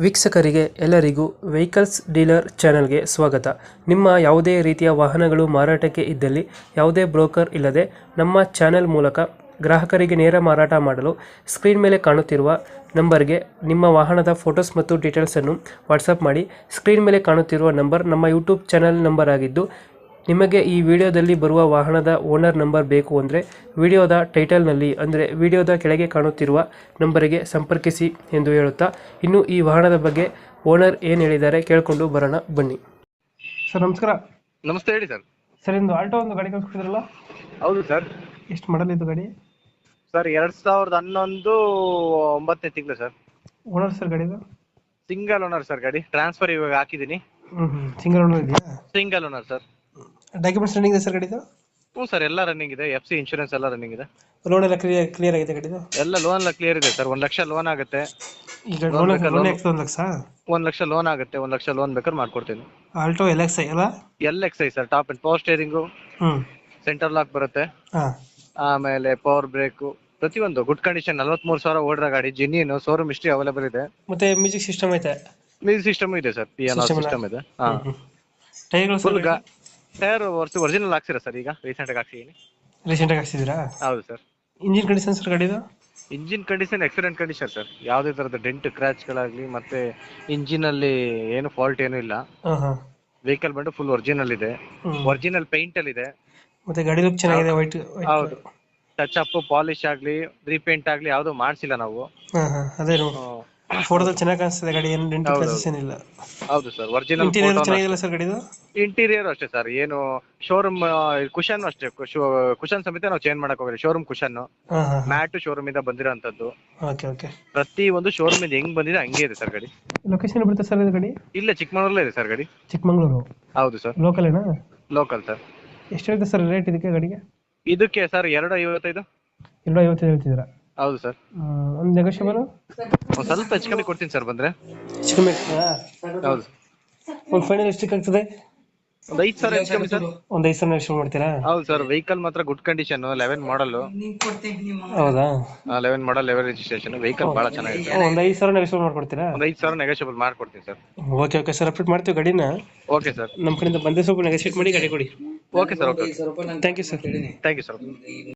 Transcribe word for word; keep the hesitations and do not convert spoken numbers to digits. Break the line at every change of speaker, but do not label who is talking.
ವೀಕ್ಷಕರಿಗೆ ಎಲ್ಲರಿಗೂ vehicles dealer ಚಾನೆಲ್ಗೆ ಸ್ವಾಗತ. ನಿಮ್ಮ ಯಾವುದೇ ರೀತಿಯ ವಾಹನಗಳು ಮಾರಾಟಕ್ಕೆ ಇದ್ದಲ್ಲಿ ಯಾವುದೇ ಬ್ರೋಕರ್ ಇಲ್ಲದೆ ನಮ್ಮ ಚಾನೆಲ್ ಮೂಲಕ ಗ್ರಾಹಕರಿಗೆ ನೇರ ಮಾರಾಟ ಮಾಡಲು ಸ್ಕ್ರೀನ್ ಮೇಲೆ ಕಾಣುತ್ತಿರುವ ನಂಬರ್ಗೆ ನಿಮ್ಮ ವಾಹನದ ಫೋಟೋಸ್ ಮತ್ತು ಡೀಟೇಲ್ಸನ್ನು ವಾಟ್ಸಪ್ ಮಾಡಿ. ಸ್ಕ್ರೀನ್ ಮೇಲೆ ಕಾಣುತ್ತಿರುವ ನಂಬರ್ ನಮ್ಮ ಯೂಟ್ಯೂಬ್ ಚಾನೆಲ್ ನಂಬರ್ ಆಗಿದ್ದು, ನಿಮಗೆ ಈ ವಿಡಿಯೋದಲ್ಲಿ ಬರುವ ವಾಹನದ ಓನರ್ ನಂಬರ್ ಬೇಕು ಅಂದರೆ ವಿಡಿಯೋದ ಟೈಟಲ್ನಲ್ಲಿ ಅಂದರೆ ವಿಡಿಯೋದ ಕೆಳಗೆ ಕಾಣುತ್ತಿರುವ ನಂಬರಿಗೆ ಸಂಪರ್ಕಿಸಿ ಎಂದು ಹೇಳುತ್ತಾ, ಇನ್ನು ಈ ವಾಹನದ ಬಗ್ಗೆ ಓನರ್ ಏನು ಹೇಳಿದ್ದಾರೆ ಕೇಳಿಕೊಂಡು ಬರೋಣ ಬನ್ನಿ. ಸರ್ ನಮಸ್ಕಾರ.
ನಮಸ್ತೆ, ಹೇಳಿ ಸರ್.
ಸರ್ ಇಂದು ಆಲ್ಟೋ ಒಂದು ಗಾಡಿ ಕಳಿಸ್ಕೊಟ್ಟಿದ್ರಲ್ಲ?
ಹೌದು ಸರ್.
ಎಷ್ಟು ಮಾಡಲ್ ಇದು ಗಾಡಿ?
ಸರ್ ಎರಡ್ ಸಾವಿರದ ಹನ್ನೊಂದು ಒಂಬತ್ತನೇ ತಿಂಗಳು ಸರ್.
ಓನರ್ ಸರ್ ಗಾಡಿದು?
Single owner sir. ಗಾಡಿ ಟ್ರಾನ್ಸ್ಫರ್ ಇವಾಗ ಹಾಕಿದ್ದೀನಿ.
ಹ್ಞೂ ಹ್ಞೂ ಸಿಂಗಲ್ ಓನರ್ ಇದೆಯಾ?
Single owner sir.
Documents running ಇದೆ ಸರ್ ಗಾಡಿದು?
ಹ್ಞೂ ಸರ್, ಎಲ್ಲ ರನ್ನಿಂಗ್ ಇದೆ. ಎಫ್ ಸಿ ಇನ್ಶೂರೆನ್ಸ್ ಎಲ್ಲ ರನ್ನಿಂಗ್ ಇದೆ.
ಲೋನ್ ಎಲ್ಲ ಕ್ಲಿಯರ್ ಕ್ಲಿಯರ್ ಆಗಿದೆ ಗಾಡಿದು?
ಎಲ್ಲ ಲೋನ್ ಎಲ್ಲ ಕ್ಲಿಯರ್ ಇದೆ ಸರ್. ಒಂದ್ ಲಕ್ಷ ಲೋನ್ ಆಗುತ್ತೆ.
ಈಗ ಲೋನ್ ಲೋನ್ ಎಕ್ಸ್ ಒಂದು ಲಕ್ಷ
ಒಂದ್ ಲಕ್ಷ ಲೋನ್ ಆಗುತ್ತೆ. ಒಂದ್ ಲಕ್ಷ ಲೋನ್ ಬೇಕಾದ್ರೆ ಮಾಡ್ಕೊಡ್ತೀನಿ.
ಆಲ್ಟೋ ಎಲ್ ಎಕ್ಸ್ ಐ ಅಲ್ಲ?
L X I sir. Top and power steering,
ಹ್ಞೂ
ಸೆಂಟರ್ ಲಾಕ್ ಬರುತ್ತೆ,
ಹಾಂ
ಆಮೇಲೆ ಪವರ್ ಬ್ರೇಕು, ಪ್ರತಿಯೊಂದು ಗುಡ್ ಕಂಡೀಷನ್. ನಲ್ವತ್ಮೂರು ಸಾವಿರ ಓಡಿರೋ ಗಾಡಿ, ಜೆನ್ಯೂನ್ ಶೋರೂಮ್ ಹಿಸ್ಟ್ರಿ ಅವೈಲೇಬಲ್ ಇದೆ.
ಮತ್ತೆ ಮ್ಯೂಸಿಕ್ ಸಿಸ್ಟಮ್ ಐತೆ?
ಮ್ಯೂಸಿಕ್ ಸಿಸ್ಟಮ್ ಇದೆ sir. P N R system ಇದೆ. ಹಾ,
ಟೈರ್ಗಳು
ಫುಲ್ ಟೈರ್ ವರ್ಷ ಒರಿಜಿನಲ್ ಹಾಕ್ಸಿರ ಸರ್. ಈಗ ರೀಸೆಂಟ್ ಆಗಿ ಹಾಕ್ಸಿದೀನಿ.
ರೀಸೆಂಟ್ ಆಗಿ ಹಾಕ್ಸಿದ್ದೀರಾ?
ಹೌದು ಸರ್.
ಇಂಜಿನ್ ಕಂಡೀಷನ್ ಸರ್ ಗಾಡಿದು?
Engine condition excellent condition sir. ಯಾವುದೇ ತರದ ಡೆಂಟ್ ಕ್ರಾಚ್ ಗಳಾಗ್ಲಿ ಮತ್ತೆ ಇಂಜಿನ್ ಅಲ್ಲಿ ಏನು ಫಾಲ್ಟ್ ಏನು ಇಲ್ಲ.
ಹಾಂ ಹಾಂ
ವೆಹಿಕಲ್ ಬಂದು ಫುಲ್ ಒರಿಜಿನಲ್ ಇದೆ. ಒರಿಜಿನಲ್ ಪೇಂಟ್ ಅಲ್ಲಿ ಇದೆ.
ಮತ್ತೆ ಗಾಡಿ ಲುಕ್ ಚೆನ್ನಾಗಿದೆ. ವೈಟ್
ಹೌದು. ಟಚ್ ಅಪ್ ಪಾಲಿಶ್ ಆಗ್ಲಿ ರೀಪೇಂಟ್ ಆಗ್ಲಿ ಯಾವ್ದು ಮಾಡ್ಸಿಲ್ಲ ನಾವು.
ಹಾಂ ಹಾಂ ಅದೇ ಫೋಟೋದಲ್ಲಿ ಚೆನ್ನಾಗಿ ಕಾಣಿಸ್ತದೆ ಗಾಡಿ. ಏನು ಡೆಂಟ್ ಕ್ರಾಚಸ್ ಏನಿಲ್ಲ.
ಹೌದು ಸರ್. ಒರಿಜಿನಲ್
ಇಂಟೀರಿಯರ್ ಚೆನ್ನಾಗಿಲ್ಲ ಸರ್ ಗಾಡಿದು?
ಇಂಟೀರಿಯರ್ ಅಷ್ಟೇ ಸರ್. ಏನು ಶೋರೂಮ್ ಕುಶನ್ ಅಷ್ಟೇ. ಕುಶನ್ ಸಮೇತ ನಾವು ಚೇಂಜ್ ಮಾಡಕ್ ಹೋಗಿಲ್ಲ. ಶೋರೂಮ್ ಕುಶನ್
ಹಾಂ ಹಾಂ
ಮ್ಯಾಟ್ ಶೋರೂಮ್ ಇಂದ ಬಂದಿರೋಂಥದ್ದು.
Okay okay.
ಪ್ರತಿ ಒಂದು ಶೋರೂಮ್ ಇಂದ ಹೆಂಗ್ ಬಂದಿದೆ ಹಂಗೆ ಇದೆ ಸರ್ ಗಾಡಿ.
ಲೊಕೇಶನ್ ಬರುತ್ತೆ ಸರ್ ಇದು ಗಾಡಿ?
ಇಲ್ಲ, ಚಿಕ್ಕಮಗಳೂರಲ್ಲೇ ಇದೆ ಸರ್ ಗಾಡಿ.
ಚಿಕ್ಕಮಗಳೂರು?
ಹೌದು ಸರ್.
ಲೋಕಲ್ ಏನಾ?
Local sir.
ಎಷ್ಟು ಹೇಳ್ತೀರಾ ಸರ್ ರೇಟ್ ಇದಕ್ಕೆ ಗಾಡಿಗೆ?
ಇದಕ್ಕೆ ಸರ್ ಎರಡು ಐವತ್ತೈದು.
ಎರಡು ಐವತ್ತೈದು ಹೇಳ್ತಿದ್ದೀರಾ?
ಹೌದು ಸರ್.
ಒಂದು ನೆಗೋಷಿಯಬಲ್
ಒಂದ್ ಸ್ವಲ್ಪ ಹೆಚ್ಚು ಕಮ್ಮಿ ಕೊಡ್ತೀನಿ ಸರ್ ಬಂದ್ರೆ.
ಹೆಚ್ಚು ಕಮ್ಮಿ ಆಗ್ತದಾ?
ಹೌದು.
ಒಂದು ಫೈನಲ್ ಎಷ್ಟಕ್ಕೆ ಆಗ್ತದೆ?
ಒಂದ್ ಐದು ಸಾವಿರ ಹೆಚ್ಚು ಕಮ್ಮಿ ಸರ್.
ಒಂದು ಐದು ಸಾವಿರ ಎಷ್ಟು ಮಾಡ್ತೀರಾ?
ಹೌದು ಸರ್. ವೆಹಿಕಲ್ ಮಾತ್ರ ಗುಡ್ ಕಂಡೀಷನ್. Eleven model.
ಹೌದಾ?
Eleven model, eleven registration. Vehicle ಬಹಳ ಚೆನ್ನಾಗಿದೆ.
ಒಂದು ಐದು ಸಾವಿರ ನೆಗೋಷಿಯಬಲ್ ಮಾಡ್ಕೊಡ್ತೀರಾ?
ಒಂದ್ ಐದು ಸಾವಿರ ನೆಗೋಷಿಯಬಲ್ ಮಾಡ್ಕೊಡ್ತೀನಿ sir.
Okay okay sir, update ಮಾಡ್ತೀವಿ ಗಾಡಿನ.
Okay sir.
ನಮ್ಮ ಕಡೆಯಿಂದ ಬಂದರೆ ಸ್ವಲ್ಪ ನೆಗೋಷಿಯೇಟ್ ಮಾಡಿ ಗಾಡಿ ಕೊಡಿ.
Okay sir. Okay.
Thank you sir.
Thank you sir.